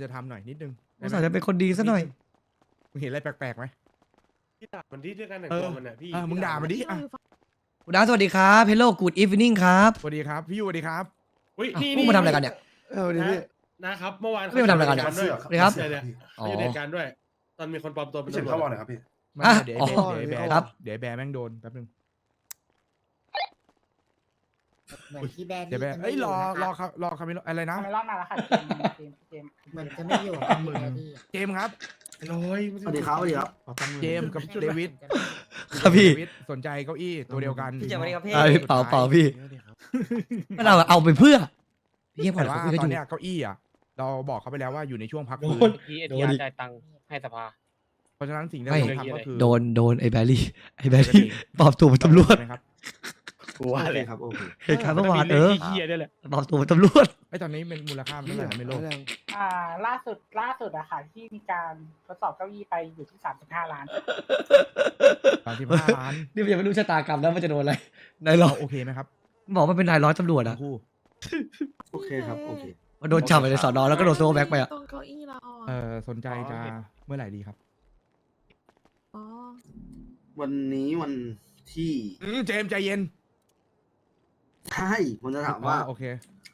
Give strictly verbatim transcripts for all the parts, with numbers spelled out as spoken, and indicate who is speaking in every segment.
Speaker 1: ธรรมหน่อยนิดนึง
Speaker 2: อุตส่าห์จะเป็นคนดีซะหน่อย
Speaker 1: มึงเห็นอะไรแปลกๆไหม
Speaker 3: พี่ด่ามันที่เรื่องการแต่ง
Speaker 1: เอ
Speaker 3: ตั
Speaker 1: อ
Speaker 3: วมันอ่ะพี่
Speaker 1: เออมึงด่ามันดิอ่ะ
Speaker 2: คุณดาวสวัสดีครับเฮลโลกูดอีฟนิ่งครับ
Speaker 1: สวัสดีครับพี่ยูสวัสดีครับ
Speaker 3: อุ้ย
Speaker 2: อ่ะ
Speaker 3: นี่
Speaker 2: พวกมาทำอะไรกันเนี่ย
Speaker 4: เออดีพี่
Speaker 3: นะครับเมื่อวาน
Speaker 2: ไม่มาทำอะไรกันเนี่ย
Speaker 3: ด้วย
Speaker 2: สวัสดีครับ
Speaker 3: เนี่ยเนี่ย
Speaker 2: อ๋อ
Speaker 3: เขาอยู่ในเหตุการณ์ด้วย ตอนมีคนปลอมตัวเป็น
Speaker 4: พี่เฉิน
Speaker 3: ตำรว
Speaker 4: เข้า
Speaker 3: จ
Speaker 4: บอลหน่อยครับพี่
Speaker 1: ไม่
Speaker 2: อ่ะ
Speaker 1: เดี๋ยว
Speaker 2: อ๋
Speaker 1: ไอ้
Speaker 2: อ
Speaker 1: แบร์เดี๋ยวไอ้แบร์
Speaker 2: ครับ
Speaker 1: เดี๋ยวไอ้แบร์แม่งโดนแป๊บนึง
Speaker 5: เหมือนที่แบน
Speaker 1: เดี๋ยวแบร์เอ้ยรอรอครับรอคาเมโลอะไรนะ
Speaker 6: ทำไมรอบมาแล้วค่ะเจมส์เจมส์เจมส์
Speaker 5: เหมือนจะไม่อยู่กับพี่แบดดี้อะ
Speaker 1: เจมส์ครับ
Speaker 3: ลอย
Speaker 4: สวัสดีครับสวัสดีครับ
Speaker 1: เจมส์กับเดวิด
Speaker 2: ครับพี่
Speaker 1: เดวิดสนใจเก้าอี้ตัวเดียวกัน
Speaker 7: พี่เจมส์สวัสดีครับพี่
Speaker 2: อ่ะพี่เป่าเป่าพี่ไม่เราเอาไปเพื่อพี่ยังผ่อ
Speaker 1: แต่
Speaker 2: น
Speaker 1: ว่า
Speaker 2: เขาคุยกัน
Speaker 1: ต
Speaker 2: อ
Speaker 1: อน
Speaker 2: ยู่
Speaker 1: เนี้ยเก้าอี้อ่ะเราบอกเขาไปแล้วว่าอยู่ในช่วงพักฟื้น
Speaker 8: เมื่อกี้เอทีอาร์จ่ายตังค์ให้สภา
Speaker 1: เพราะฉะนั้นสิ่งที่เราต้องทำก็คือ
Speaker 2: โดนโดนไอ้แบรี่ไอ้แบรี่ปลอมตัวเป็นตำรวจ
Speaker 1: ใช่ไหมครับ
Speaker 4: โอเคครับโอเค
Speaker 2: เหตุการณ์เมื่อวานเออ
Speaker 8: เฮียด้วยแหละ
Speaker 2: ปลอมตัวเป็นตำรวจ
Speaker 1: ไอ้ตอนนี้เป็นมูลค่ามันเท่าไหร่นะไม่รู้
Speaker 6: อ่าล่าสุดล่าสุดอะค่ะที่มีการทดสอบเก้าอี้ไปอยู่ที่สามสิบห้าล้าน
Speaker 1: สามสิบห้าล้าน
Speaker 2: นี่มันยังไม่รู้ชะตากรรมแล้วมันจะโดนอะไรนายร้อย
Speaker 1: โอเคไหมครับ
Speaker 2: บอกว่าเป็นนายร้อยตำรวจ
Speaker 1: ทั้
Speaker 2: อะ
Speaker 1: งคู่
Speaker 4: โอเคครับโอเค
Speaker 2: มันโดนจับไปในสอนอแล้วก็โดนโซ่แบ็กไปอะ
Speaker 9: ตรงเก้าอี้เรา
Speaker 1: เออสนใจจะเมื่อไหร่ดีครับ
Speaker 9: อ๋อ
Speaker 4: วันนี้วันที่
Speaker 1: อืมเจมส์ใจเย็น
Speaker 4: ใช่ผมจะถามว่า
Speaker 1: อ๋อโอเค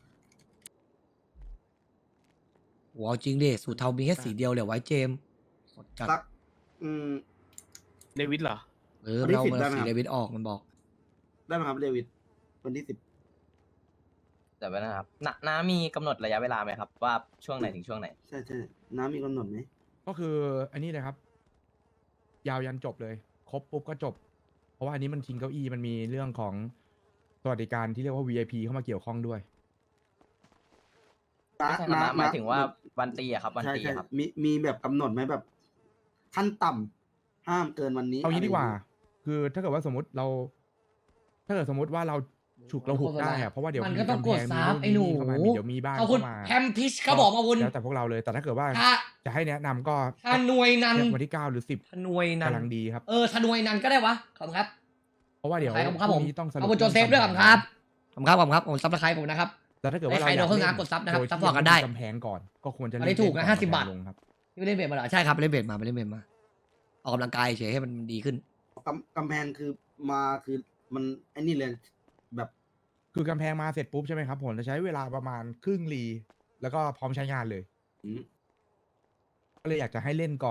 Speaker 2: หัวจริงดิสูตรเทามีแค่สีเดียวเลยไว้เจมส์จัด
Speaker 4: สักอืม
Speaker 8: เดวิดเหรอ
Speaker 2: เออ
Speaker 4: วันที่
Speaker 2: เรา
Speaker 4: สิบ
Speaker 2: มัน
Speaker 4: ได้ไหม
Speaker 2: สี
Speaker 4: ครับ
Speaker 2: เดวิดออกมันบอก
Speaker 4: ได้ไหมครับเดวิดวันที่สิบ
Speaker 7: แต่ว่านะครับนน้ามีกำหนดระยะเวลาไหมครับ ว่าช่วงไหนถึงช่วงไหน
Speaker 4: ใช่ใช่น้ำมีกำหนดไหม
Speaker 1: ก็คืออันนี้เลยครับ ยาวยันจบเลย ครบปุ๊บก็จบ เพราะว่าอันนี้มันชิงเก้าอี้มันมีเรื่องของสวัสดิการที่เรียกว่า วี ไอ พี เข้ามาเกี่ยวข้องด้วย
Speaker 7: ไม่ใช่ครับน้าหมายถึงว่าวันตีอะครับ วัน
Speaker 4: ใช่
Speaker 7: ตี
Speaker 4: ใช่
Speaker 7: อะครับ
Speaker 4: มีมีแบบกำหนดไหมแบบขั้นต่ำห้ามเกินวันนี้
Speaker 1: เอางี้ดีกว่า
Speaker 4: ะไรอย่งงี้
Speaker 1: คือถ้าเกิดว่าสมมติเรา ถ้าเกิดสมมติว่าเราฉุกเราหุกได้อะเพราะว่าเดี๋ยว
Speaker 2: มันก็ต้องกด
Speaker 1: ำแพ
Speaker 2: ซับ
Speaker 1: มี
Speaker 2: ไอ้หนู
Speaker 1: เข้ามามีเดี๋ยวมีบ้าน
Speaker 2: เอาคุณ
Speaker 1: เข้ามา
Speaker 2: แพมพิชเขาบอกมาวุน
Speaker 1: แล้วแต่พวกเราเลยแต่ถ้าเกิดว่า
Speaker 2: ถ้า
Speaker 1: จะให้แนะนำก็
Speaker 2: ถ้าหน่วยนัน
Speaker 1: วันที่เก้าหรือสิบ
Speaker 2: ถ้าหน่วยนัน
Speaker 1: กำลังดีครับ
Speaker 2: เออถ้าหน่วยนันก็ได้วะขอบคุณครับ
Speaker 1: เพราะว่าเดี๋ยว
Speaker 2: ใครขอบคุณครับ
Speaker 1: พ
Speaker 2: ผ
Speaker 1: รุ่
Speaker 2: ม
Speaker 1: งนี้ต้องสรุป
Speaker 2: ขอบคุณโจเซฟด้วยขอบคุณครับขอบคุณครับขอบคุณครับผมซับสไครต์ผมนะครับ
Speaker 1: แต่ถ้าเกิดว่า
Speaker 2: ไอ้
Speaker 1: เรา
Speaker 2: ใคร
Speaker 1: อยาก
Speaker 2: โดนเครื่องงานกดซับนะครับ
Speaker 1: โยที่
Speaker 2: ซัพพอร์ตกันได้
Speaker 1: กำแพงก่อนก็ควรจะ
Speaker 2: อันนี้ถูกนะ
Speaker 1: เล่
Speaker 2: ห้าสิบบาท
Speaker 1: ลงครับ
Speaker 2: ที่ไม่เล่นเบสมาเหรอใช่ครับไปเล่นเบสมาไปเล่นเบสมาออกกำลังกายเฉยให้มันดีขึ้น
Speaker 4: กำกำแพงคือมาคือมันไอ้นี่เลยแบบ
Speaker 1: คือกำแพงมาเสร็จปุ๊บใช่ไหมครับผมจะใช้เวลาประมาณครึ่งรีแล้วก็พร้อมใช้งานเลย
Speaker 4: อืม
Speaker 1: ก็เลยอยากจะให้เล่นก่อน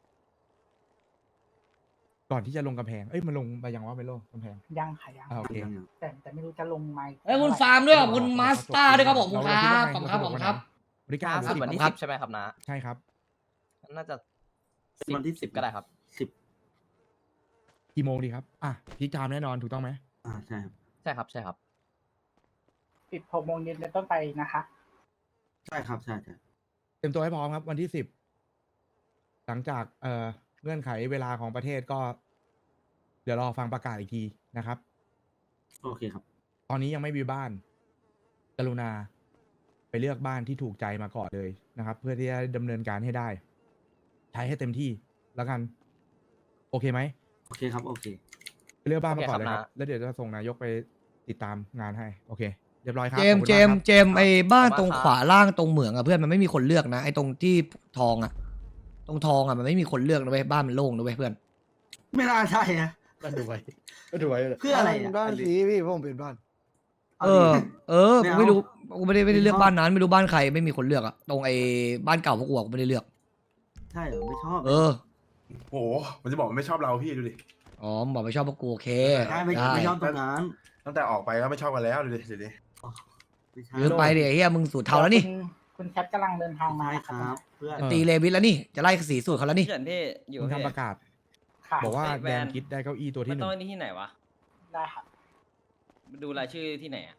Speaker 1: ก่อนที่จะลงกำแพงเอ้ยมันลงไปยังว่าไม่ลงกำแพง
Speaker 6: ยังค่ะยัง
Speaker 1: อ่าโอเค
Speaker 4: ยังยัง
Speaker 6: แต่แต่ไม่รู้จะลงไหม
Speaker 2: เอ้ยคุณฟาร์มด้วยขอบคุณมาสเตอร์ด้วยครับผมขอบคุณครับขอบคุณครับขอบคุณครับ
Speaker 1: วันที่เก้า
Speaker 7: ล่า
Speaker 1: หรือ
Speaker 7: สุด
Speaker 1: สิบ
Speaker 7: วันที่
Speaker 2: ครั
Speaker 7: สิ
Speaker 2: บ
Speaker 7: บใช่ไหมครับน้า
Speaker 1: ใช่ครับ
Speaker 7: น่าจะ
Speaker 4: วันที่สิบ
Speaker 7: ก็ได้ครับ
Speaker 4: สิบ
Speaker 1: กี่โมงดีครับอ่ะพีคไทม์แน่นอนถูกต้องไหม
Speaker 4: อ่าใช่ครับ
Speaker 7: ใช่ครับใช่ครับ
Speaker 6: ปิดหกโมงเย็นเป็นต้นไปนะคะ
Speaker 4: ใช่ครับใช่ใช่
Speaker 1: เตรียมตัวให้พร้อมครับ วันที่สิบหลังจากเอ่อเงื่อนไขเวลาของประเทศก็ เดี๋ยวรอฟังประกาศอีกทีนะครับ
Speaker 4: โอเคครับ
Speaker 1: ตอนนี้ยังไม่มีบ้าน กรุณา ไปเลือกบ้านที่ถูกใจมาก่อนเลยนะครับ เพื่อที่จะดำเนินการให้ได้ ใช้ให้เต็มที่แล้วกัน โอเคไหม
Speaker 4: โอเคครับโอเค
Speaker 1: ไปเลือกบ้านมาก่อน
Speaker 7: โอ
Speaker 1: เล
Speaker 7: เค
Speaker 1: ย
Speaker 7: ค
Speaker 1: ค
Speaker 7: รั
Speaker 1: รับ บ แล้วเดี๋ยวจะส่งนายกไปติดตามงานให้ โอเค เรียบร้อยครับ
Speaker 2: เจมส์
Speaker 1: ขอบ
Speaker 2: เจ
Speaker 1: คุณากครับ
Speaker 2: มส์เจมส์ไอ้บ้านตรงขวาล่างตรงเหมืองอะเพื่อนมันไม่มีคนเลือกนะไอ้ตรงที่ทองอะตรงทองอะมันไม่มีคนเลือกนะเว้ยบ้านมันโล่งนะเว้ยเพื่อน
Speaker 4: ไม่น่าใช่นะ
Speaker 3: ก็ดูไว้ก็ดูไว้เลย
Speaker 4: เพื่ออะไรอะ
Speaker 5: บ้านสีพี่ผมเป็นบ้าน
Speaker 4: า
Speaker 2: เอ
Speaker 4: ดิ
Speaker 2: อ เออ
Speaker 4: ไม่
Speaker 2: กู
Speaker 4: เอา
Speaker 2: ไม่รู้กูไม่ได้ไม่ได้เลือก
Speaker 4: ไม่ชอบ
Speaker 2: บ้านนั้นไม่รู้บ้านใครไม่มีคนเลือกอะตรงไอ้บ้านเก่าพวกกูอะกูไม่ได้เลือก
Speaker 4: ใช่เหรอไม่ชอบ
Speaker 2: เออ
Speaker 10: โหมันจะบอกมันไม่ชอบเราพี่ดูดิ
Speaker 2: อ๋อมึงบอกไม่ชอบพวกกูโอเค
Speaker 4: ใช่ไม่
Speaker 2: ได้
Speaker 4: ไม่ชอบตรงนั้น
Speaker 10: ตั้งแต่ออกไปก็ไม่ชอบกันแล้วดูดิดูดิ
Speaker 4: ไม่ใช่
Speaker 2: ยืมไปเดี๋ยวเฮียมึงสูตรเทาแล้วนี่
Speaker 6: คุณคุณแคทกำลังเดินทางมา
Speaker 4: ใช่
Speaker 6: นะ
Speaker 4: ค
Speaker 6: ค
Speaker 4: รั
Speaker 6: รั
Speaker 4: บบ เพื่อน
Speaker 1: เออ
Speaker 2: ตีเลวิสแล้วนี่จะไล่สีสูตรเขาแล้วนี่
Speaker 7: พี่เฉินพี่อยู่
Speaker 1: มึง
Speaker 7: พี่
Speaker 1: ทำประกาศ
Speaker 6: ค่ะ
Speaker 1: บอกว่า
Speaker 7: ไอ้แบ
Speaker 1: แด
Speaker 7: ร
Speaker 1: น
Speaker 7: นด์
Speaker 1: คิดได้เก้าอี้ตัว
Speaker 7: มั
Speaker 1: ที่
Speaker 7: น
Speaker 1: หนึ่
Speaker 7: ต้อง งที่ไหนวะ
Speaker 6: ได้ค่ะ
Speaker 7: ดูรายชื่อที่ไหนอะ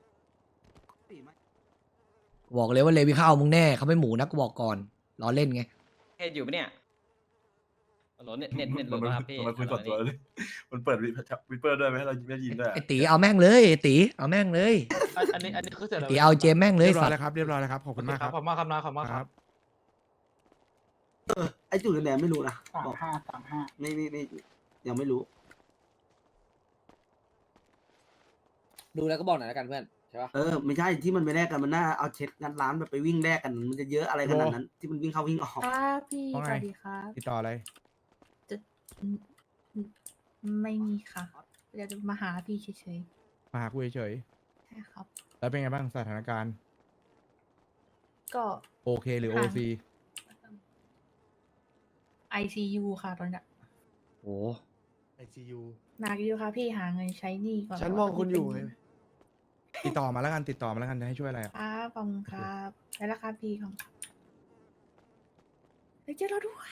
Speaker 2: บอกเลยว่าเลวิเข้ามึงแน่เขาไม่หมูนะกูบอกก่อนล้อเล่นไง
Speaker 7: เฮ็ดอยู่ปะเนี่ยโหลดเน็ตเน็ตเน็ตโหล
Speaker 10: มัน
Speaker 7: ดป่ะครับพี่
Speaker 10: มันคุยส่วนตัวเลยมันเปิดวิปเปอร์ด้วยไหมให้เราไม่ยินด้วย
Speaker 2: ไอ้ตีเอาแม่งเลยไอ้ตีเอาแม่งเลย
Speaker 8: อันนี้อันนี้คือเสร็จแล้ว
Speaker 2: ตีเอาเจมแม่งเลย
Speaker 1: เรียบร้อ
Speaker 2: สั
Speaker 1: ย
Speaker 2: ต
Speaker 1: แล้ว
Speaker 2: ว์
Speaker 1: ครับ เรียบร้อยแล้วครับ ขอบคุณมากครับ
Speaker 8: ขอบคุณมากครับนะขอบคุณมาก
Speaker 1: ค
Speaker 8: ค
Speaker 1: รั
Speaker 8: รับ บ
Speaker 4: ไอ้จุดแดงๆไม่รู้นะ
Speaker 6: สาม
Speaker 4: บอก
Speaker 6: ห้าสามห้า
Speaker 4: ไม่ไม่ไม่ยังไม่รู้
Speaker 5: ดูแล้วก็บอกหน่อยแล้วกันเพื่อนใช่ปะ
Speaker 4: เออไม่ใช่ที่มันไปแลกกันมันน่าเอาเช็คงัดร้านแบบไปวิ่งแลกกันมันจะเยอะอะไรขนาดนั้น ที่มันวิ่งเข้าวิ่งออก
Speaker 9: ครับพี่
Speaker 1: ว่าไง
Speaker 9: สวัสดีครับ
Speaker 1: ติดต่ออะไร
Speaker 9: จะอืมอืมไม่มีค่ะเดี๋ยวจะมาหาพี่เฉย
Speaker 1: มาหากูเฉย
Speaker 9: ๆใช่ครับ
Speaker 1: ๆแล้วเป็นไงบ้างสถานการณ์
Speaker 9: ก็
Speaker 1: โอเคหรือโอ
Speaker 9: ค่ะ
Speaker 1: ซี
Speaker 9: ไอ ซี ยู ค่ะตอนเนี้ย
Speaker 2: โอ้
Speaker 3: ไอซียู
Speaker 9: หนักอยู่ค่ะพี่หาเงินใช้หนี้ก่อน
Speaker 5: ฉันมองคุณอยู่ไง
Speaker 1: ติดต่อมาแล้วกันติดต่อมาแล้วกันจะให้ช่วยอะไรอะ
Speaker 9: ครับขอบคุณครับได้แล้วครับพี่ของครับเฮ้ยเจอเราด้วย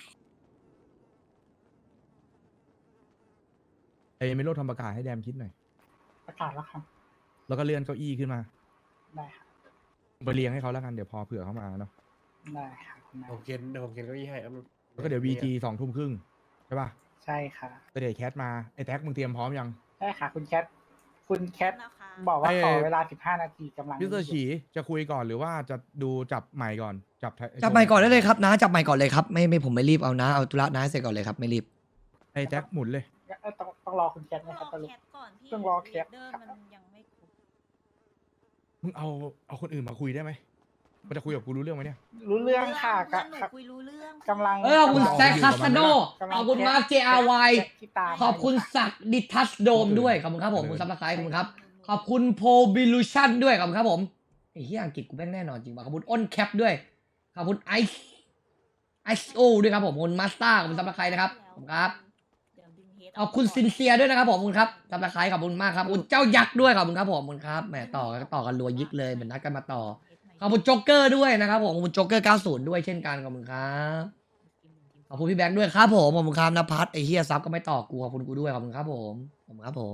Speaker 1: ไอ้เมโลทำประกาศให้แดมคิดหน่อย
Speaker 6: ประกาศแล้วครับ
Speaker 1: แล้วก็เลื่อนเก้าอี้ขึ้นมา
Speaker 6: ได้ครับ
Speaker 1: ไปเรียงให้เขาแล้วกันเดี๋ยวพอเผื่อเขามาเนาะ
Speaker 6: ได้ครับคุณนาย
Speaker 3: ผมเขียนเดี๋ยวผมเขียนเก้าอี้ให้ครับ
Speaker 1: แล้วก็เดี๋ยววีจีสองทุ่มครึ่งใช่ป่ะ
Speaker 6: ใช่ค่ะ
Speaker 1: แต่เดี๋ยวแคทมาไอ้แท็กมึงเตรียมพร้อมยัง
Speaker 6: ได้ค่ะ คุณแคทคุณแคทบอกว่า
Speaker 1: ไอ้
Speaker 6: ขอเวลาสิบห้านาทีกำลัง
Speaker 1: มิสเตอร์ฉีจะคุยก่อนหรือว่าจะดูจับใหม่ก่อนจับไท
Speaker 2: จับใหม่ก่อนได้เลยครับนะจับใหม่ก่อนเลยครับไม่ไม่ผมไม่รีบเอานะเอาธุระนะให้เสร็จก่อนเลยครับไม่รีบ
Speaker 1: ไอ้แท็กหมุนเลย
Speaker 6: เอ้ยต้องต้องรอคุณแคทไหมครับสรุป ต้องรอแคป
Speaker 1: มึงเอาเอาคนอื่นมาคุยได้ไหมมันจะคุยกับกูรู้เรื่องไหมเนี่ย
Speaker 6: รู้เรื่องค่ะกะ
Speaker 9: คุยรู้เรื่อง
Speaker 6: กำลัง
Speaker 2: เออขอบคุณ
Speaker 6: กำลัง
Speaker 2: แซคคาสโน
Speaker 6: กำลัง
Speaker 2: ขอบคุณมาร์คเจอาร์ว
Speaker 6: ที่ตาม
Speaker 2: ขอบคุณสักดิทัสโดมด้วยขอบคุณครับผมคุณซับสไครต์ขอบคุณครับขอบคุณโพบิลูชันด้วยขอบคุณครับผมไอ้เหี้ยอังกฤษกูแม่งแน่นอนจริงว่ะขอบคุณอ้นแคปด้วยขอบคุณไอซ์ไอซ์โอด้วยครับผมขอบคุณมาสเตอร์ขอบคุณซับสไครต์นะครับขอบคุณครับขอบคุณซินเซียด้วยนะครับผมขอบคุณครับซับสไครต์ขอบคุณมากครับขอบคุณเจ้ายักษ์ด้วยขอบคุณครับผมขอบคุณครับแหมต่อกันต่อกันรัวยิกเลยเหมือนนัดกันมาต่อขอบคุณโจ๊กเกอร์ด้วยนะครับผมขอบคุณโจ๊กเกอร์เก้าสิบด้วยเช่นกันขอบคุณครับขอบคุณพี่แบงค์ด้วยครับผมขอบคุณครับนภัสไอ้เฮียซับก็ไม่ต่อกูขอบคุณกูด้วยขอบคุณครับผมขอบคุณครับผม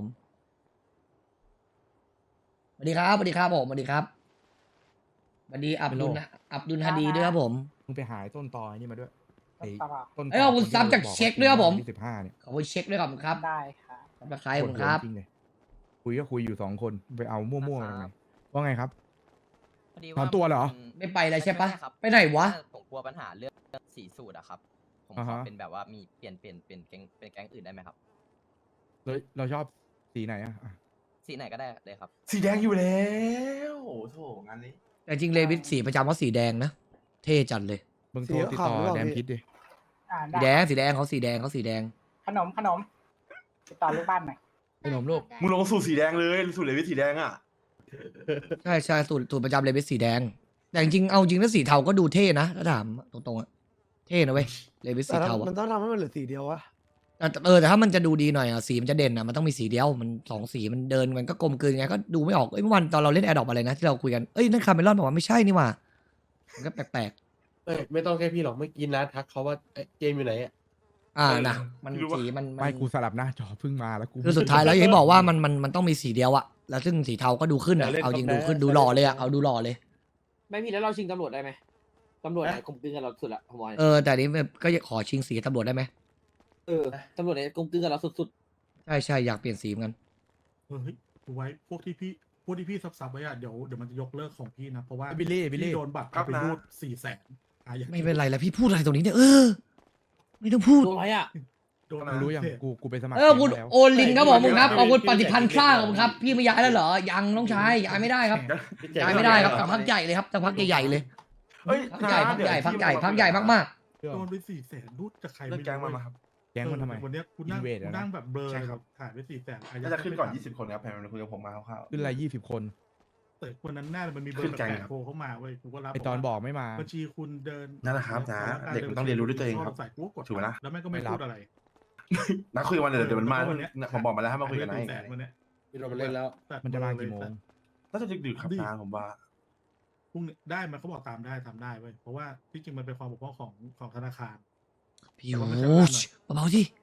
Speaker 2: สวัสดีครับสวัสดีครับผมสวัสดีครับสวัสดีอับดุลนะอับดุลฮาดีด้วยครับผม
Speaker 1: มึงไปหายต้นตอไอ้นี่มาด้วยไอ้
Speaker 6: ตลอด
Speaker 1: ต้นต
Speaker 2: เอ้ยขอบคุณซับจากเช็คด้วยครับผม
Speaker 1: ที่สิบห้าเนี่ย
Speaker 2: ขอบคุณเช็คด้วยขอบคุณครับ
Speaker 6: ได้ค่ะ
Speaker 2: ซับสไครต์ขอบคุณครับ
Speaker 1: จริงเลยคุยก็คุยอยู่สองคนไปเอามั่วๆมาทำไมว่าไงครับ
Speaker 7: พอดี
Speaker 1: ถอนตัวเหรอ
Speaker 7: มัน
Speaker 2: ไม่ไปแล้วใช่ปะ
Speaker 7: ม่ครับ
Speaker 2: ไปไหนวะ
Speaker 7: ผมกลัวปัญหาเรื่องสีสูตรอะครับ ผม
Speaker 1: อ่า
Speaker 7: ขอ
Speaker 1: ฮะ
Speaker 7: เป็นแบบว่ามีเปลี่ยนเปลี่ยนเป็นแก๊งเป็นแก๊งอื่นได้ไหมครับ
Speaker 1: เราเราชอบสีไหนอะอ่ะ
Speaker 7: สีไหนก็ได้เลยครับ
Speaker 10: สีแดงอยู่แล้วโอ้โถงานนี้
Speaker 2: แต่จริงเลวิสสีประจำเขาสีแดงนะเท่จัดเลย
Speaker 1: มึงโทรติดต่อแดมคิดดิ
Speaker 6: อ่า
Speaker 2: สี
Speaker 6: ได้
Speaker 2: แดงสีแดงเขาสีแดงเขาสีแดง
Speaker 6: ขนมขนมติดต่อลูกบ้านหน่อย
Speaker 1: ขนมลูก
Speaker 10: มึงลงสูตรสีแดงเลยสูตรเลวิสสีแดงอ่ะ
Speaker 2: ใช่ใช่สูตรสูตรประจำเลวิสสีแดง แต่จริงๆเอาจริงแล้วสีเทาก็ดูเท่นะถ้าถามตรงๆอะเท่นะเว้ยเลวิส
Speaker 5: แต่
Speaker 2: สีเทา
Speaker 5: มั
Speaker 2: อะ
Speaker 5: นต้องทำให้มันเหลือสีเดียววะ
Speaker 2: แต่เออแต่ถ้ามันจะดูดีหน่อยอะสีมันจะเด่นอะมันต้องมีสีเดียวมันสองสีมันเดินมันก็กลมกลืนไงก็ดูไม่ออกเอ้ยเมื่อวันตอนเราเล่นแอร์ดอปอะไรนะที่เราคุยกันเอ้ยนั่นคาร์เมลอนบอกว่าไม่ใช่นี่หว่ามันก็แปลก
Speaker 3: เอ้ยไม่ต้องแค่พี่หรอกเมื่อกี้นะทักเขาว่าเอ้ยเจมส์อยู่ไหนอ่ะ
Speaker 2: ๆอ่า
Speaker 10: เออ
Speaker 2: นะมัน
Speaker 10: ไม่รู้ว่า
Speaker 2: สีมันมัน
Speaker 1: ไม่กูสลับหน้าจอเพิ่งมาแล้วกู
Speaker 2: คือสุดท้ายแล้วอย่างที่บอกว่ามันมันมันต้องมีสีเดียวอะแล้วซึ่งสีเทาก็ดูขึ้นอะ
Speaker 3: อย่าเล่น
Speaker 2: เอาจริง
Speaker 3: กาแฟ
Speaker 2: ดูขึ้นดูหล่อเลยอะเอาดูหล่อเลย
Speaker 8: ไม่พี่แล้วเราชิงตำรวจได้ไหมตำรวจไหนกลมกลืนกับเราสุดละผมบอกให้
Speaker 2: เออแต่อันนี้แบบก็ขอชิงสีตำรวจได้ไหม
Speaker 8: เออตำรวจไหนกลมกลืนกับเราสุด
Speaker 2: ใช่ใช่อยากเปลี่ยนสีเหมือนกัน
Speaker 11: เฮ้ยดูไว้พวกที่พี่พวกที่พี่ซับๆไว้อะเดี๋ยวเดี๋ยวมันจะยกเลิกของพี่นะ เพราะว่า
Speaker 1: บิลลี่บิลลี่
Speaker 11: พี่โดนบัตร
Speaker 10: ครั
Speaker 11: เอา
Speaker 10: บ
Speaker 11: ไป
Speaker 10: นะ
Speaker 11: รูดสี่แสนอ่ะอย่าง
Speaker 2: ไม่เป็นไรแล้วพี่พูดอะไรตรงนี้เนี่ยเออ ไม่ต้องพู
Speaker 8: ๆ
Speaker 2: ด
Speaker 8: โดนอะไรอ่ะ
Speaker 11: โดน
Speaker 1: มึงรู้ยังกูกูไปสมัคร
Speaker 2: เออคุณ
Speaker 1: แก๊งแล้ว
Speaker 2: โอลินครับผมคุณครับขอบคุณปฏิพันธ์ข้างผมครับ พี่ไม่ย้ายแล้วเหรอยังน้องชายย้ายไม่ได้ครับย้ายไม่ได้ครับจากพักใหญ่เลยครับจากพักใหญ่ๆเลย
Speaker 10: เอ้ย
Speaker 2: พักใหญ่พักใหญ่พักใหญ่พักใหญ่มาก
Speaker 11: โดนไปสี่แสนรูดจากใคร
Speaker 10: เรื่องแก๊งมันมาครับ
Speaker 1: แก๊งมันทำไม
Speaker 11: เออวันเนี้ยคุณนั่ง
Speaker 1: Invade
Speaker 11: คุณ
Speaker 1: อะนะ
Speaker 11: นั่งแบบเบลอ
Speaker 10: ใช่
Speaker 11: เลย
Speaker 10: ค
Speaker 11: ค
Speaker 10: รั
Speaker 11: รับ บถ่ายไปสี่แสน
Speaker 10: น่าจะขึ้นก่อนยี่สิบคนครับแผนมันคุยกับผมมาคร่าวๆ
Speaker 1: ขึ้นอะไรยี่สิบคน
Speaker 11: แต่วันนั้นแน่เลยมันมีเบอ
Speaker 10: ขึ้
Speaker 11: ร์
Speaker 10: นแก๊ง
Speaker 11: แปลก
Speaker 10: ครับ
Speaker 11: ๆโทรเข้ามาเว้ยกูก็รับ
Speaker 1: ไอตอนบอกไม่มา
Speaker 11: บัญชีคุณเดิน
Speaker 10: นั่นแหละครับนะ
Speaker 11: ขอ
Speaker 10: เด็กมันต้องเรียนรู้ด้วยตัวเองครับ
Speaker 11: ใส่กูก็กด
Speaker 10: ถูกไหมนะ
Speaker 11: แล้วแม่งก็ไม่
Speaker 1: ไม่รับ
Speaker 11: พูดอะไร
Speaker 10: นักคุยกันวันเดี๋ยวเดี๋ยวมันมา
Speaker 11: วันเนี้ย
Speaker 10: ผมบอกมาแล้วให้มาคุยกันนะ
Speaker 11: สี่แสนวันเนี้ย
Speaker 3: พี่โดนมาเล่นแล้ว
Speaker 11: ตัด
Speaker 1: มันจะมา
Speaker 11: เบอร์
Speaker 1: กี่โม
Speaker 11: เลย
Speaker 1: ง
Speaker 10: น่าจะดึกๆครับนะผมว่า
Speaker 11: พรุ่งนี้ได้มันเขาบอกตามได้ทำได้เว้ยเพราะว่าที่จริงมันเป็นความบกพร่องของของธนาคาร
Speaker 2: ๆพี่โอ้ชเบาๆที่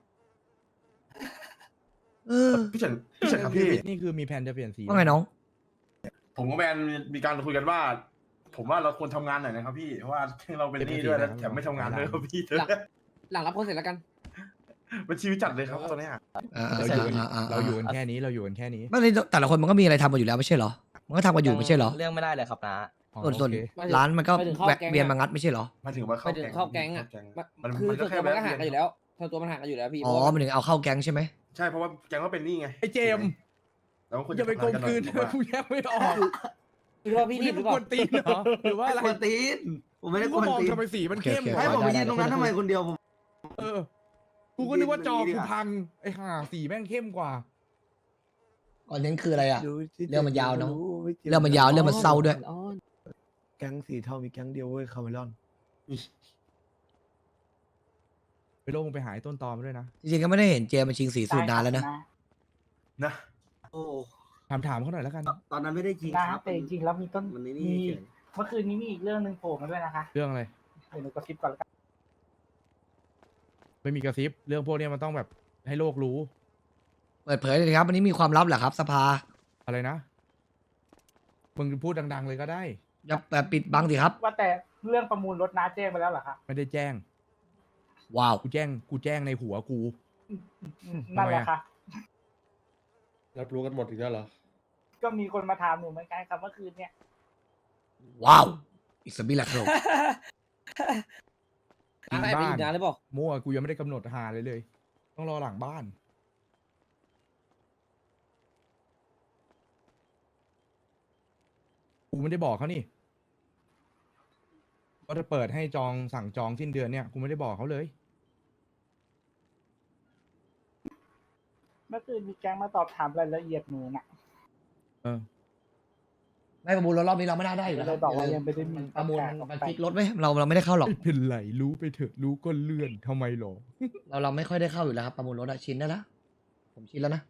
Speaker 2: เออ
Speaker 10: พี่เฉินพี่เฉินครับพี่
Speaker 1: นี่คือมีแผนจะเปลี่ยนสี
Speaker 2: ว่าไงน้อง
Speaker 10: ผมกับแมนมีการคุยกันว่า ผมว่าเราควรทำงานหน่อยนะครับพี่เพราะว่าเราเป็นหนี้ด้วยแล้วแถมไม่ทำงานด้วยครับพี่
Speaker 8: หลังหลังรับคนเสร็จแล้วกัน
Speaker 10: มันชีวิตจัดเลยครับตอนเนี้ย
Speaker 2: อ่า
Speaker 1: เราอยู่กัน
Speaker 2: อ่าอ่า
Speaker 1: เราอยู่กันแค่นี้เราอยู่กันแค่นี้
Speaker 2: ไม่ได้แต่ละคนมันก็มีอะไรทำกันอยู่แล้วไม่ใช่เหรอมันก็ทำกันอยู่ไม่ใช่เหรอ
Speaker 7: เรื่องไม่ได้เลยครับนะ
Speaker 1: อ๋อ
Speaker 2: ส่วนส่วน
Speaker 1: โอเค
Speaker 2: ร้านมันก็
Speaker 8: ไปถึงเข้า
Speaker 2: แวะ
Speaker 8: แก๊ง
Speaker 2: เวียน
Speaker 8: อะ
Speaker 2: มางัดไม่ใช่เหรอ
Speaker 10: มาถึงว่า
Speaker 8: ไปถึงเข้าแก๊งอ่ะ
Speaker 10: มัน
Speaker 8: คือ
Speaker 10: มัน
Speaker 8: ส่
Speaker 10: ก็
Speaker 8: วน
Speaker 10: แค่
Speaker 8: ตัวมันก็
Speaker 10: แวะ
Speaker 8: ห่างกันอยู่แล้วส่วนตัวมันห่างกันอยู่แล้วพี่
Speaker 2: อ๋อ
Speaker 8: เพราะว่า
Speaker 2: มันถึงเอาเข้าแก๊งใช่ไหม
Speaker 10: ใช่เพราะว่าแก๊งก็เป็นหนี้ไง
Speaker 1: ไอเจมส์
Speaker 10: แล้วคุณ
Speaker 1: อย่าไปกลมกลืน
Speaker 10: ผมว่า
Speaker 1: กูแยกไม่ออก
Speaker 8: หรือว่าพี่
Speaker 1: นี่
Speaker 8: รีบห
Speaker 1: มึ
Speaker 8: รื
Speaker 1: ง
Speaker 8: อเป
Speaker 1: ก
Speaker 8: ล่า
Speaker 1: วนตีนเหรอหรือว่าอะไร
Speaker 4: กวนตีนผมไม่ได้ก
Speaker 1: กู
Speaker 4: วน
Speaker 1: มอง
Speaker 4: ตีน
Speaker 1: ทำไมสีมันเข้ม
Speaker 2: โอเคโอเค
Speaker 4: ให้ผม
Speaker 1: วะ
Speaker 4: ไปยืนตรงนั้นทำไมคนเดียวผม
Speaker 1: เออกูก็นึกว่าจอกูพังไอ้ห่าสีแม่งเข้มกว่า
Speaker 2: ก่อนนั้นคืออะไรอ่ะ
Speaker 5: ดูที่
Speaker 2: เรื่องมันยาวเนอะ
Speaker 5: ไม่กี่
Speaker 2: เรื่องมันยาวเรื่องมันเศร้าด้วย
Speaker 5: แก๊งสีเทามีแก๊งเดียวเว้ยคาร์เมลอน
Speaker 1: ไปโลงไปหาไอ้ต้นตอมาด้วยนะ
Speaker 2: จริงๆก็ไม่ได้เห็นเจมาชิงสีสูตรนานแล้วนะ
Speaker 10: นะ
Speaker 4: โอ้
Speaker 1: ถามถามเขาหน่อยแล้วกัน
Speaker 4: ตอนนั้นไม่ได้จริง
Speaker 6: นะครับ แต่จริงๆแล้วมีต้น
Speaker 4: มันนี่
Speaker 6: มี
Speaker 4: นี่เฉย
Speaker 6: เมื่อคืนนี้มีอีกเรื่องหนึ่งโผล่มาด้วยนะคะ
Speaker 1: เรื่องอะไร
Speaker 6: เดี๋ยวหนูกระซิบก่อนแล้วกัน
Speaker 1: ไม่มีกระซิบเรื่องพวกเนี้ยมันต้องแบบให้โลกรู้
Speaker 2: เปิดเผยเลยครับวันนี้มีความลับเหรอครับสภา
Speaker 1: อะไรนะมึงพูดดัง ๆ เลยก็ได้
Speaker 2: อย่าแบบปิดบังสิครับ
Speaker 6: ว่าแต่เรื่องประมูลรถน้าแจ้งไปแล้วเหรอคะ
Speaker 1: ไม่ได้แจ้ง
Speaker 2: ว้าว
Speaker 1: กูแจ้งกูแจ้งในหัวกู
Speaker 6: นั่นแหละค่ะ
Speaker 3: รับรู้กันหมดอีกแล้วเหรอ
Speaker 6: ก็มีคนมาถามหนูเหมือนกันครับเมื่อคืนเนี่ย
Speaker 2: ว้าวอีกสบิลักโร
Speaker 1: จริง
Speaker 8: ไปไป
Speaker 1: บ้า
Speaker 8: อี
Speaker 1: น
Speaker 8: กนานหรือเปล่า
Speaker 1: มั่วกูยังไม่ได้กำหนดหาเลยเลย ต้องรอหลังบ้าน กูไม่ได้บอกเขานี่ว่าจะเปิดให้จองสั่งจองสิ้นเดือนเนี่ยกูไม่ได้บอกเขาเลย
Speaker 6: เมื่อคืนมีแก๊งมาตอบถามรายละเอียดหนูน่ะ
Speaker 1: เออ
Speaker 2: ไม่ประมูลรถรอบนี้เราไม่ได้ได้อยู่แล้ว
Speaker 6: เลยบอกว่ายังไม่ได้มี
Speaker 2: ประมูล
Speaker 6: ประกาศออก
Speaker 2: มัน
Speaker 6: ไป
Speaker 2: ฟิกรถไหมเราเราไม่ได้เข้าหรอก
Speaker 1: ไม่เป็นไรรู้ไปเถอะรู้ก็เลื่อนทำไมหรอ
Speaker 2: เราเราไม่ค่อยได้เข้าอยู่แล้วครับประมูลรถอะชินได้แล้วผมชินแล้วนะ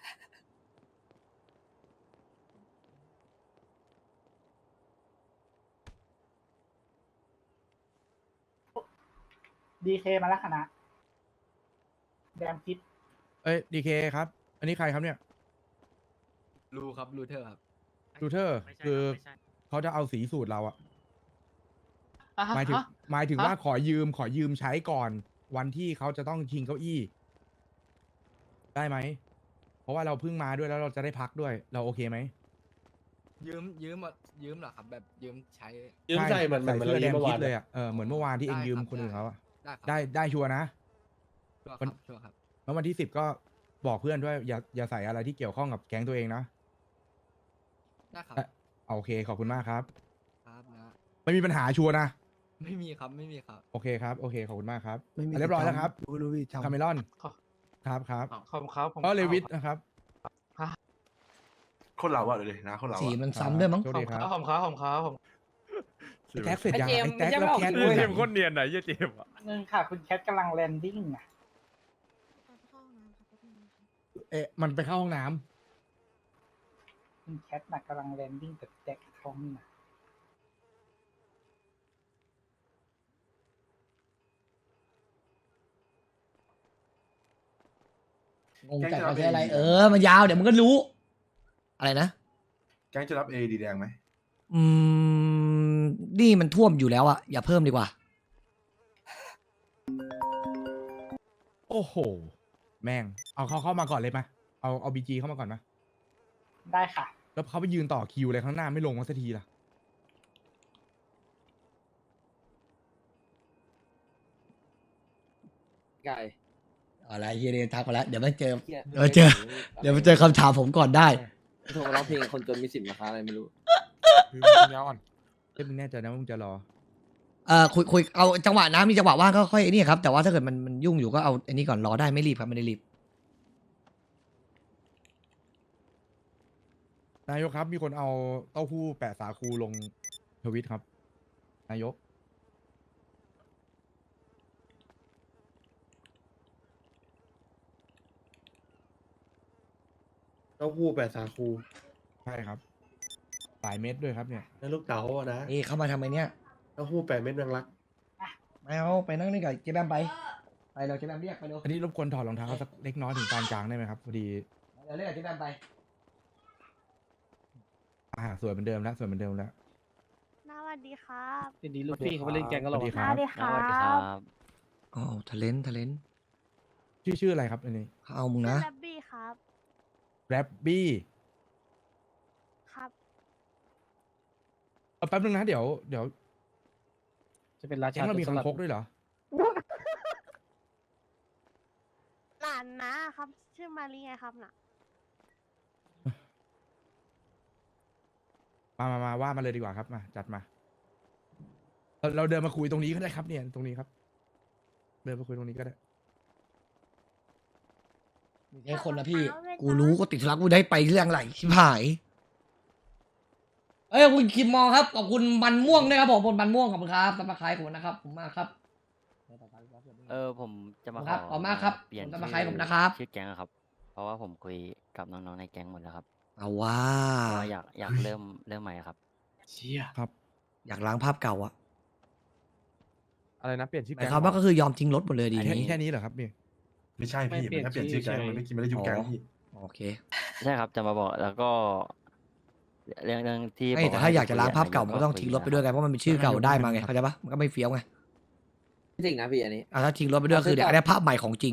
Speaker 6: ดีเคมาแล้วคณะแดมคิด
Speaker 1: เอ้ยดีเคครับ อันนี้ใครครับเนี่ย
Speaker 7: รูครับรูเทอร์ครับ
Speaker 1: รูเทอร์คือเขาจะเอาสีสูตรเราอะหมายถึงหมายถึงว่าขอยืมขอยืมใช้ก่อน วันที่เขาจะต้องชิงเก้าอี้ ได้ไหม เพราะว่าเราเพิ่งมาด้วยแล้วเราจะได้พักด้วย เราโอเคไหม
Speaker 7: ยืมยืมยืมเหรอครับแบบยืมใช้
Speaker 3: ยืมใส่เหมือนเหมื
Speaker 1: ใส่
Speaker 3: อน
Speaker 1: เสื้อแดง
Speaker 3: เมื่อ
Speaker 1: คิ
Speaker 3: วา
Speaker 1: ด
Speaker 3: น
Speaker 1: เลยอะเออเหมือนเมื่อวานที่เอง
Speaker 7: ได้
Speaker 1: ยืม
Speaker 7: ครับ
Speaker 1: คนอื่นเขาอะ
Speaker 7: ได้ครับ
Speaker 1: ได้ได้ชัวร์นะ
Speaker 7: ชัวร์
Speaker 1: มัน
Speaker 7: ครับชัวร์ครับ
Speaker 1: แล้ววันที่สิบก็บอกเพื่อนด้วยอย่าอย่าใส่อะไรที่เกี่ยวข้องกับแก๊งตัวเองนะ
Speaker 7: ได้ครับ
Speaker 1: เอ่อเอาโอเคขอบคุณมากครับ
Speaker 7: ครับนะ
Speaker 1: ไม่มีปัญหาชัวร์นะ
Speaker 7: ไม่มีครับไม่มีครับ
Speaker 1: โอเคครับโอเคขอบคุณมากครับ
Speaker 5: ไม่มี
Speaker 1: เรียบร้อยแล้วครับ
Speaker 5: รู้รู้พี่จำ
Speaker 1: คาเมลอน ครับครับ
Speaker 6: ขอบคุณครับผม
Speaker 1: ก็เลวิทนะครับ
Speaker 10: คนเราอะเดี๋ยวดินะคนเรา
Speaker 2: สี
Speaker 10: อะ
Speaker 2: มันซ้ำด้วยมั้ง
Speaker 1: โชคดีครับ
Speaker 6: ผมครับผมครับผม
Speaker 1: ไอ้แท็กเสร็จยัง
Speaker 8: ไอ้เจมส์
Speaker 1: ไอ้แท็ก
Speaker 8: ไม่
Speaker 1: แล้ว
Speaker 8: ใช่
Speaker 1: แคท
Speaker 8: ว่า
Speaker 1: ด้วย
Speaker 8: เจ
Speaker 1: นะ
Speaker 8: มส์
Speaker 10: คนเนียนไหนยี่เจมอะ
Speaker 6: นึงค่ะ คุณแคทกำลังแลนดิ้งอ่ะ
Speaker 1: เอ๊ะมันไปเข้าห้องน้ำ
Speaker 6: คุณแคทน่ะกำลังแลนดิ้งแต่แจ็คท้องนี่นะ
Speaker 2: งงแต่เขาใช้อะไร เออ มันยาวเดี๋ยวมันก็รู้ อะไรนะ
Speaker 10: แก๊งจะรับเอดีแดงไหม
Speaker 2: อืม นี่มันท่วมอยู่แล้วอะอย่าเพิ่มดีกว่า
Speaker 1: โอ้โห แม่ง เอาเขาเข้ามาก่อนเลยมาเอาเอาบีจีเข้ามาก่อนมา
Speaker 6: ได้ค่ะ
Speaker 1: แล้วเขาไปยืนต่อคิวเลยข้างหน้าไม่ลงมาสักทีล่ะ
Speaker 8: ไก่
Speaker 2: อะไรเฮียเดนทักมาแล้ว เดี๋ยวมันเจอ
Speaker 8: หี้ย
Speaker 2: เดี๋ยวเจอ เดี๋ยวมันเจอคำถามผมก่อนได้
Speaker 8: โทรมาร้องเพลงคนจนมีสิทธิ์ราคาอะไรไม่รู้
Speaker 1: คือมันยาวอ่อนเอ้ยมึงแน่ใจนะว่ามึงจะรอ
Speaker 2: เอ่อคุยคุยเอาจังหวะนะมีจังหวะว่างก็ค่อยไอ้นี่ครับแต่ว่าถ้าเกิดมันมันยุ่งอยู่ก็เอาอันนี้ก่อนรอได้ไม่รีบครับไม่ได้รีบ
Speaker 1: นายกครับ มีคนเอาเต้าหู้แปะสาคูลงทวิตครับ นายก
Speaker 3: เต้าหู้แปดสาคู
Speaker 1: ใช่ครับหลายเม็ดด้วยครับเนี่ย
Speaker 3: นั่นลูกเต๋าอะนะ
Speaker 2: นี่เข้ามาทำไมเนี่ย
Speaker 3: เต้าหู้แปดเม็ดแมงลัก
Speaker 2: ไม่เอาไปนั่งนี่กับเจ๊แบมไปไปเราเจ๊แบมเรียกไปเร็ว
Speaker 1: อันนี้รบกวนถอดรองเท้าสักเล็กน้อยถึงปานกลางได้ไหมครับพอดี
Speaker 2: เดี๋ยวเรียกกับเจ๊แบมไป
Speaker 1: อ่าสวยเหมือนเดิมแล้วสวยเหมือนเดิมแล้ว
Speaker 9: สวัสดีครับ
Speaker 8: ทีนี้ลูกพี่เขาไปเล่นแกงกันหรอ
Speaker 1: สวัสดี
Speaker 9: ส
Speaker 1: ครับ
Speaker 9: วัสดีครับ
Speaker 2: อ๋อทะเลนทะเลน
Speaker 1: ชื่อชื่ออะไรครับอันนี้
Speaker 2: เขาเอามึงนะ
Speaker 9: แรบบี้ครับ
Speaker 1: แรบบี้
Speaker 9: ครับ
Speaker 1: เอาแป๊บนึงนะเดี๋ยวเดี๋ยว
Speaker 8: จะเป็นรา
Speaker 1: แก๊
Speaker 8: ชาง
Speaker 1: เรามี
Speaker 8: ส
Speaker 1: คัง
Speaker 8: ลัด
Speaker 1: คกด้วยเหรอ
Speaker 9: หลานนะครับ ชื่อมารีไงครับน่ะ
Speaker 1: มามามาว่ามาเลยดีกว่าครับมาจัดมาเราเราเดินมาคุยตรงนี้ก็ได้ครับเนี่ยตรงนี้ครับ เดินมาคุยตรงนี้ก็ได้
Speaker 2: ไอ้คนนะพี่ กูรู้ก็ติดธุระกูได้ไปเรื่องอะไรชิบหาย เอ้ยขอบคุณคิมมองครับขอบคุณมันม่วงด้วยครับผมบนมันม่วงขอบคุณครับสำหรับใครผมนะครับผมมากครับ
Speaker 12: เออผมจะมา
Speaker 2: ครับขอบมากครับ
Speaker 12: เปลี่ยน
Speaker 2: ผมจะมาขายผมนะครับ
Speaker 12: ชื่อแก๊งอะครับ เพราะว่าผมคุยกับน้องๆในแก๊งหมดแล้วครับ
Speaker 2: เอาว่า
Speaker 12: เพราะว่าอยากอยากเริ่มเริ่มใหม่อะครับ
Speaker 3: เชี่ย
Speaker 1: ครับ
Speaker 2: อยากล้างภาพเก่าอะ
Speaker 3: อะไรนะเปลี่ยนชื่อ
Speaker 2: หมา
Speaker 3: แก๊
Speaker 2: ย
Speaker 3: ง
Speaker 2: ความว่าก็คือยอมทิ้งรถหมดเลยดี
Speaker 1: แค่
Speaker 2: นี้
Speaker 1: แค่นี้เหรอครับนี่
Speaker 10: ไม่ใช่พี่มันแค่เปลี่ยนชื่อแก๊งมันไม่กินไม่ได้ยุบแก๊งพี่
Speaker 2: โอเค
Speaker 12: ใช่ครับจะมาบอกแล้วก็เรื่องเรื่องที่
Speaker 2: ไม่
Speaker 12: บอก
Speaker 2: แต่
Speaker 12: ว่
Speaker 2: ถ้าอยากจะ
Speaker 12: คุ
Speaker 2: ล้างภาพ
Speaker 12: นย
Speaker 2: เก่ามันก็ต้องทิ้งรถไปด้วยไงเพราะมันเป็นชื่อเก่าได้มาไงเข้าใจปะมันก็ไม่เฟี้ยวไง
Speaker 8: จริงนะพี่อันนี้
Speaker 2: อ่ะถ้าทิ้งรถไปด้วยคือเดี๋ยวได้ภาพใหม่ของจริง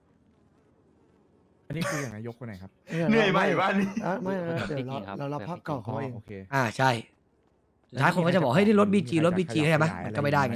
Speaker 1: อันนี้คืออย่างไรยกคนไหนครับ
Speaker 10: เหนื่อยไหมบ้านนี้
Speaker 5: อ่ะไม่นะเดี๋ยวเราเรารับภาพเก่าเขาเอง
Speaker 1: โอเค
Speaker 2: อ่าใช่สุดท้ายคนก็จะบอกเฮ้ยนี่รถบีจีรถบีจีใช่ไหมมันก็ไม่ได้ไง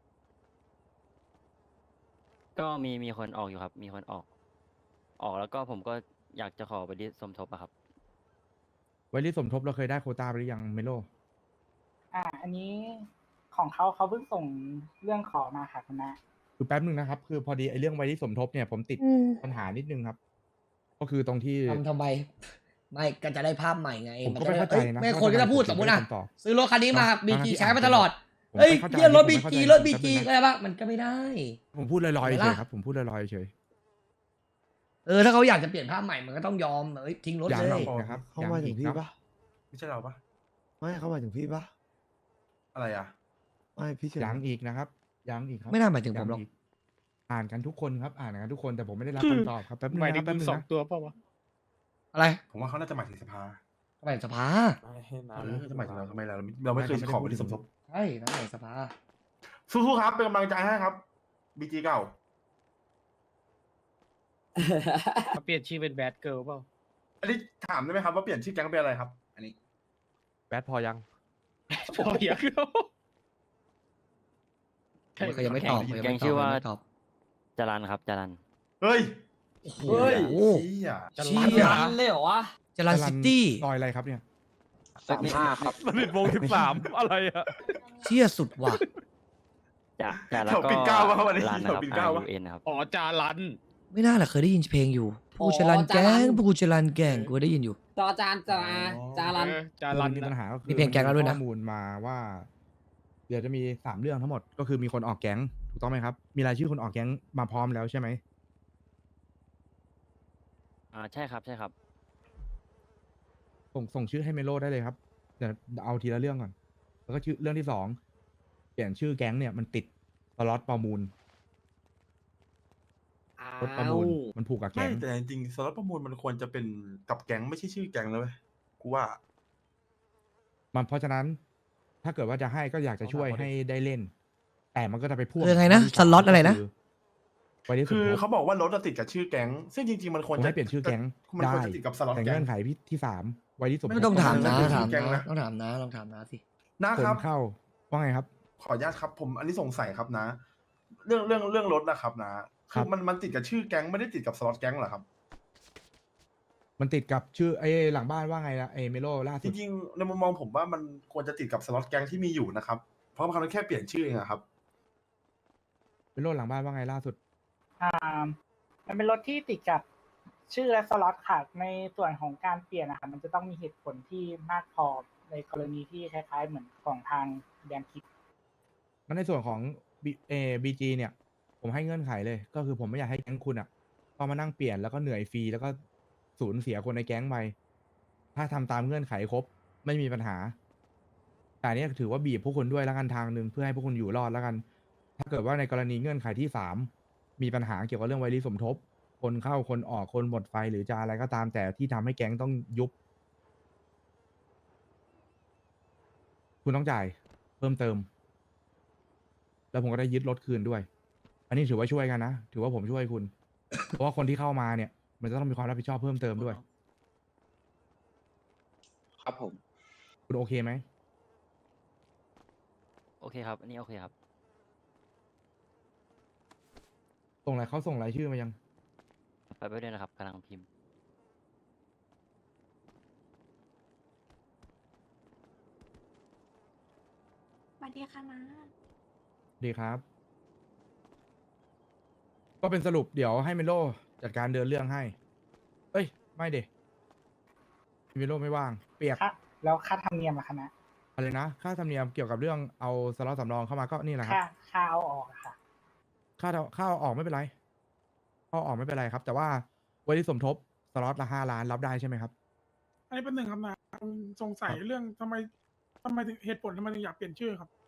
Speaker 12: ก็มีมีคนออกอยู่ครับ มีคนออก ออกแล้วก็ผมก็อยากจะขอไปดิสมทบอะครับ
Speaker 1: ไว้ที่สมทบเราเคยได้โควต้าไปหรือยังเมโล
Speaker 6: อ่า อันนี้ของเขาเขาเพิ่งส่งเรื่องขอมาค่ะคุณนะ
Speaker 1: คือแป๊บนึงนะครับ คือพอดีไอ้เรื่องไว้ที่สมทบเนี่ยผมติดปัญหานิดนึงครับ ก็คือตรงที่
Speaker 2: ทำทำไม ไม่ก็จะได้ภาพใหม่ไง
Speaker 1: ผมก็ไม่เข้าใจนะ
Speaker 2: ไม่คนก็จะพูดสมมติอ่ะ
Speaker 1: ว่าทำไมผมถึงไม่ได้คำตอบ
Speaker 2: ซื้อรถคันนี้มา
Speaker 1: บาง
Speaker 2: บีจี
Speaker 1: บางที
Speaker 2: ใช้มาตลอด
Speaker 1: ผม
Speaker 2: เฮ้ย
Speaker 1: ไม่เข้าใจ
Speaker 2: เรียกรถ
Speaker 1: ผม
Speaker 2: บี
Speaker 1: ไม่เข้า
Speaker 2: จี
Speaker 1: ใจ
Speaker 2: รถบี
Speaker 1: แป๊บนึ
Speaker 2: จี
Speaker 1: งนะ
Speaker 2: ก็ได้ปะมันก็ไม่ได้
Speaker 1: ผมพูดลอยๆ
Speaker 2: เห็น
Speaker 1: เฉ
Speaker 2: ปะ
Speaker 1: ยครับผมพูดลอยๆเฉย
Speaker 2: เออถ้าเขาอยากจะเปลี่ยนภาพใหม่มันก็ต้องยอมเอ้ยทิ้งรถ
Speaker 1: อย่าง
Speaker 2: เล
Speaker 1: เรา
Speaker 2: ย
Speaker 1: อีกนะครับ
Speaker 5: เขามาถึงพี่ปะ
Speaker 10: ไม่ใช่เราปะ
Speaker 5: ไม่เขามาถึงพี่ปะ
Speaker 10: อะไรอ่ะ
Speaker 5: ไม่พี่เฉย
Speaker 1: ยังอีกนะครับยังอีกครับ
Speaker 2: ไม่น่าหมายถึงผมหรอก
Speaker 1: ยังอ่านกันทุกคนครับ อ่านกันทุกคนแต่ผมไม่ได้รับคำตอบครับแป๊บนึงนะครับแป๊บนึงนะ
Speaker 2: อะไร
Speaker 10: ผมว่าเขาน่าจะหมายถึงสภา
Speaker 2: ก็ไปสภา
Speaker 10: เออจะหมายถึงเราทำไมเราเราไม่เคยขอไว้ที่สมทบ
Speaker 2: ใช่นั่นไงสภา
Speaker 10: สู้ๆครับเป็นกำลังใจให้ครับบีจีเก่า
Speaker 8: เปลี่ยนชื่อเป็นแบดเกิร์ลเปล่า
Speaker 10: อันนี้ถามได้ไหมครับว่าเปลี่ยนชื่อแก๊งเป็นอะไรครับ อันนี้
Speaker 3: แบทพอยัง
Speaker 8: พออยากรู้
Speaker 2: เขายังไม่ตอบเขายัง
Speaker 12: แก๊ง
Speaker 2: ไม่ต
Speaker 12: ชื่
Speaker 2: อบ
Speaker 12: อว่า
Speaker 2: ยังไม่ตอบ
Speaker 12: จารันครับจารัน
Speaker 10: เฮ้ย
Speaker 2: โอ้โห
Speaker 10: โอ้เชี่ย
Speaker 2: เชี่ย
Speaker 8: เลยเหรอวะ
Speaker 2: จรันซิตี้
Speaker 1: ซอยอะไรครับเนี่ย
Speaker 12: สามห้าครับ
Speaker 3: มันเป็นวงสิบสามอะไรอะ
Speaker 2: เชี่ยสุดว่ะ
Speaker 12: จะจะแล้ว
Speaker 10: แถว
Speaker 12: ก็
Speaker 10: ปิ่นเกล้าวะวันนี้
Speaker 12: รัน
Speaker 10: แถ
Speaker 12: นะ
Speaker 10: ว
Speaker 12: ครับ
Speaker 10: ปิ่นเกล้าวะ
Speaker 12: R U N นะครับ
Speaker 8: อ๋อจารัน
Speaker 2: ไม่น่าแหละเคยได้ยินเพลงอยู่ผู้ชลันแกงผู้ชลันแกงกูได้ยินอยู่
Speaker 8: จอจานจาจารันจารัน
Speaker 1: มีปัญหาก็คือ
Speaker 2: มีเพลงแก๊งแล้วด้วยนะ
Speaker 1: ข้อมูลมาว่า เดี๋ยวจะมีสามเรื่องทั้งหมด ก็คือมีคนออกแก๊งถูกต้องไหมครับ มีรายชื่อคนออกแก๊งมาพร้อมแล้วใช่ไหม
Speaker 12: อ่าใช่ครับใช่ครับ
Speaker 1: ส่งส่งชื่อให้เมโลได้เลยครับเดี๋ยวเอาทีละเรื่องก่อน แล้วก็ชื่อเรื่องที่สองเปลี่ยนชื่อแก๊งเนี่ยมันติดสล็อตประมูลรถประมูลมันผูกกับ
Speaker 10: ไม่
Speaker 1: แก๊ง
Speaker 10: แต่จริงๆสล็อตประมูลมันควรจะเป็นกับแก๊งไม่ใช่ชื่อแก๊งเลยเว้ยกูว่า
Speaker 1: มันเพราะฉะนั้น ถ้าเกิดว่าจะให้ก็อยากจะช่วยให้ได้เล่น แต่มันก็จะไปพ่วง
Speaker 2: คือไงนะสล็อตอะไรนะ
Speaker 1: ไว้ที่สุด
Speaker 10: คือเขาบอกว่ารถจะติดกับชื่อแก๊ง ซึ่งจริงๆมันควร
Speaker 1: ผม
Speaker 10: จะ
Speaker 1: ให้เปลี่ยนชื่อแก๊ง
Speaker 10: มันควร
Speaker 1: ได้
Speaker 10: จะติดกับสล็อต
Speaker 1: แต่
Speaker 10: แก๊
Speaker 1: เงื่
Speaker 10: ง
Speaker 1: อนไขที่ที่สามไว้ที่สุด
Speaker 2: ไม่ต้องถามนะ
Speaker 10: ผม
Speaker 2: ถาม
Speaker 10: แก๊ง
Speaker 2: นะ
Speaker 10: นะ
Speaker 2: ต้องถามนะลองถามนะสิ
Speaker 10: นะ
Speaker 1: ค
Speaker 10: ครับ
Speaker 1: นเข้าว่าไงครับ
Speaker 10: ขออนุญาตครับ ผมอันนี้สงสัยครับนะ เรื่องเรื่องเรื่องรถนะครับนะ
Speaker 1: ครั
Speaker 10: คือบ มันมันติดกับชื่อแก๊งไม่ได้ติดกับสล็อตแก๊งเหรอครับ
Speaker 1: มันติดกับชื่อไอ้หลังบ้านว่าไงละไอ้เมโลล่า
Speaker 10: จ
Speaker 1: สุด
Speaker 10: ริงๆในมุมมองผมว่ามันควรจะติดกับสล็อตแก๊งที่มีอยู่นะครับ เพราะเขาแค่เปลี่ยนชื่อเองอะครับ
Speaker 1: เมโลหลังบ้านว่าไงล่าสุด
Speaker 6: อ่า มันเป็นรถที่ติดกับชื่อและสล็อตค่ะ ในส่วนของการเปลี่ยนนะคะมันจะต้องมีเหตุผลที่มากพอในกรณีที่คล้ายๆเหมือนของทางแดนคิด
Speaker 1: งั้นในส่วนของบีเอบีจีเนี่ย ผมให้เงื่อนไขเลย ก็คือผมไม่อยากให้แก๊งคุณอ่ะต้องมานั่งเปลี่ยนแล้วก็เหนื่อยฟรีแล้วก็สูญเสียคนในแก๊งไปถ้าทำตามเงื่อนไขครบ ไม่มีปัญหา แต่อันเนี้ยถือว่าบีบพวกคุณด้วยแล้วกันทางหนึ่งเพื่อให้พวกคุณอยู่รอดแล้วกัน ถ้าเกิดว่าในกรณีเงื่อนไขที่สามมีปัญหาเกี่ยวกับเรื่องไวรีสมทบ คนเข้าคนออกคนหมดไฟหรือจะอะไรก็ตามแต่ที่ทำให้แก๊งต้องยุบ คุณต้องจ่ายเพิ่มเติม แล้วผมก็ได้ยึดรถคืนด้วย อันนี้ถือว่าช่วยกันนะ ถือว่าผมช่วยคุณ เพราะว่าคนที่เข้ามาเนี่ย มันจะต้องมีความรับผิดชอบเพิ่มเติมด้วย
Speaker 8: ครับผม
Speaker 1: คุณโอเคไหม
Speaker 12: โอเคครับ อันนี้โอเคครับ
Speaker 1: ส่งอะไรเขาส่งรายชื่อมายัง
Speaker 12: ไปไปด้วยนะครับกำลังพิมพ์
Speaker 9: วัสดีค่ะนะ
Speaker 1: ดีครับ ก็เป็นสรุปเดี๋ยวให้เมโลจัดการเดินเรื่องให้ เอ้ย ไม่เดเมโลไม่ว่าง เปียก
Speaker 6: ค่าแล้วค่าธรรมเนียมอะคะนะ
Speaker 1: อะไรนะ ค่าธรรมเนียมเกี่ยวกับเรื่องเอาสล็อตสำรองเข้ามาก็นี่แหละครับ
Speaker 6: ค่าค่าเอาออกอะค่ะ
Speaker 1: ค่าเอาค่าเอาออกไม่เป็นไรค่าเอาออกไม่เป็นไรครับ แต่ว่าไว้ที่สมทบสล็อตละห้าล้านรับได้ใช่ไหมครับ
Speaker 11: อันนี้เป็นหนึ่งคำนะผมสงสัยเรื่องทำไมทำไมถึงเหตุผลทำไมถึงอยากเปลี่ยนชื่อครับ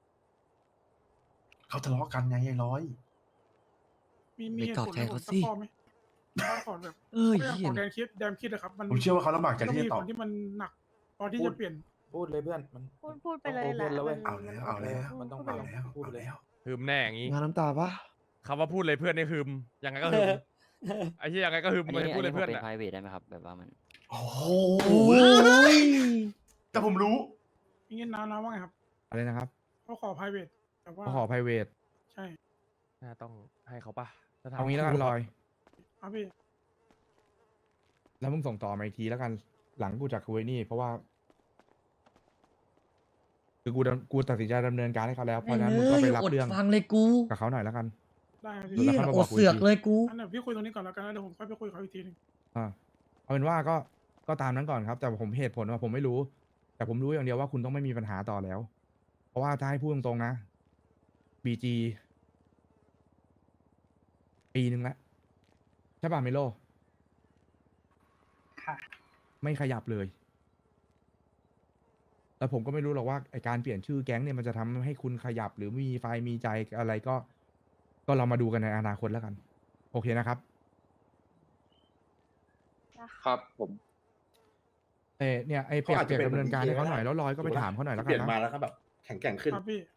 Speaker 10: เขาทะเลาะกันไงไอ้ร้อย
Speaker 11: มีมีเหตุผล
Speaker 5: ไปตอบแทนเขาสิ
Speaker 11: สักข้อไหมถ้าก่อนแบบ
Speaker 5: เอ้ย
Speaker 11: เรื่อง
Speaker 5: เหี้
Speaker 11: ข
Speaker 5: ย
Speaker 11: องแดนคิดแดนคิดนะครับมัน
Speaker 10: ผมเชื่อว่าเขาลำบากใจ
Speaker 11: ต้อง
Speaker 10: ที่
Speaker 11: มี
Speaker 10: จะต
Speaker 11: ผ
Speaker 10: อบ
Speaker 11: ลที่มันหนักพอที่
Speaker 8: พูด
Speaker 11: จะเปลี่ยน
Speaker 8: พูดเลยเพื่อนมัน
Speaker 9: พูดพูดไปเลยแหละ
Speaker 8: ต้อง open แล้วเว้ย
Speaker 10: เอาแล้วเอาแล้ว
Speaker 8: มันต้อง
Speaker 10: เอาแล้ว
Speaker 8: พูด
Speaker 10: เอา
Speaker 8: เลย
Speaker 10: แล้ว
Speaker 13: ฮึมแน่อย่างงี้
Speaker 5: งานน้ำตาปะ
Speaker 13: คำว่าพูดเลยเพื่อนนี่ฮึมยังไงก็ฮึมไอ้ที่ยังไงก็ฮึม
Speaker 12: อัน
Speaker 13: มัน
Speaker 12: นี้
Speaker 13: พูดเลย
Speaker 12: อันนี้ผม
Speaker 13: เพื่อน
Speaker 12: เป็น
Speaker 13: อ่ะ
Speaker 12: private ได้ไหมครับ แบบว่ามัน
Speaker 10: โอ้โห
Speaker 5: โอ้ย
Speaker 10: แต่ผมรู้
Speaker 11: อย่างงี้นะนะว่าไงครับ
Speaker 1: อะไรนะครับ
Speaker 11: เขาขอ private แต่ว่า
Speaker 1: ก็ขอ private
Speaker 11: ใช่
Speaker 13: น่าต้องให้เขาปะถ้ถม
Speaker 1: เอางี้แล้วกันลอย
Speaker 11: ครับพี่
Speaker 1: แล้วมึงส่งต่อมาอีกทีแล้วกัน หลังกูจากคุยนี่ เพราะว่า คือกูดำกูตัดสินใจดำเนินการให้เขาแล้ว เพราะฉะนั้นมึงก็ไปรับ
Speaker 2: อด
Speaker 1: เรื่อง
Speaker 2: ฟังเลยกู
Speaker 1: กับเขาหน่อยแล้วกัน
Speaker 11: ได้ครับ
Speaker 1: เดี๋
Speaker 11: พี่
Speaker 1: ยว
Speaker 2: เหี้ย
Speaker 1: แล้ว
Speaker 2: อ
Speaker 1: ค่อยมาบอ
Speaker 2: ด
Speaker 1: กกู
Speaker 2: เสือก
Speaker 1: อีกที
Speaker 2: เลยกู
Speaker 11: อันเดี๋ยวพี่คุยตรงนี้ก่อนแล้วกันแล้วเดี๋ยวผมค่อยไปคุยกับเขาอีกทีหนึง
Speaker 1: อ่าเอาเป็นว่าก็ก็ตามนั้นก่อนครับ แต่ผมเหตุผลว่าผมไม่รู้ แต่ผมรู้อย่างเดียวว่าคุณต้องไม่มีปัญหาต่อแล้ว เพราะว่าถ้าให้พูดตรงๆนะ บี จี ปีหนึ่งแล้วใช่ป่ะเมโล
Speaker 6: ค่ะ
Speaker 1: ไม่ขยับเลย แล้วผมก็ไม่รู้หรอกว่าไอการเปลี่ยนชื่อแก๊งเนี่ยมันจะทำให้คุณขยับหรือมีไฟมีใจอะไรก็ ก็เรามาดูกันในอนาคตแล้วกัน โอเคนะครับ
Speaker 3: ครับผม
Speaker 1: เออเนี่ยไอเปียกเปียกดำเนินการให้เขาหน่อยแล้วลอยก็ไปถามเขาหน่อยแล้วกันนะ
Speaker 10: แข็งแกร่งขึ้น
Speaker 11: ครับพี่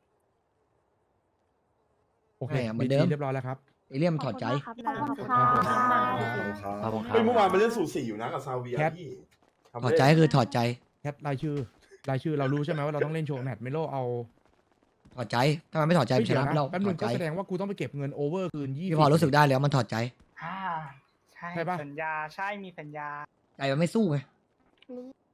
Speaker 1: โอเค
Speaker 2: ใช่อะเหมื
Speaker 1: บี
Speaker 2: อนเดิ
Speaker 1: จี
Speaker 2: ม
Speaker 1: เรียบร้อยแล้วครับ
Speaker 2: เอเลี่ยมนถอดใจ
Speaker 9: ขอบคุณมากครับ
Speaker 10: ข
Speaker 9: นะ
Speaker 10: อบคุณครับ
Speaker 12: ขอบคุณครับ
Speaker 10: เฮ้ยเมื่อวานไปเล่นสูสีอยู่นะกับซาเวีย
Speaker 1: แคท
Speaker 10: พี่
Speaker 2: ถอดใจก็คือถอดใจ
Speaker 1: แคทรายชื่อรายชื่อเรารู้ใช่ไหมว่าเราต้องเล่นโชว์แมตช์เมโลเอา
Speaker 2: ถอดใจ ถ้ามันไม่ถอดใจมันช
Speaker 1: เดี๋ยว
Speaker 2: นะ
Speaker 1: นะ
Speaker 2: เรา
Speaker 1: แป๊บ
Speaker 2: ถ
Speaker 1: นึ
Speaker 2: อด
Speaker 1: ง
Speaker 2: ใจ
Speaker 1: ก็แสดงว่ากูต้องไปเก็บเงินโอเวอร์คืนยี่
Speaker 2: พี่พอรู้สึกได้แล้วมันถอดใจ
Speaker 6: อ่า ใช่
Speaker 1: ใช่ปะ
Speaker 6: สัญญา ใช่ มีสัญญา
Speaker 2: ใจมันไม่สู้ไง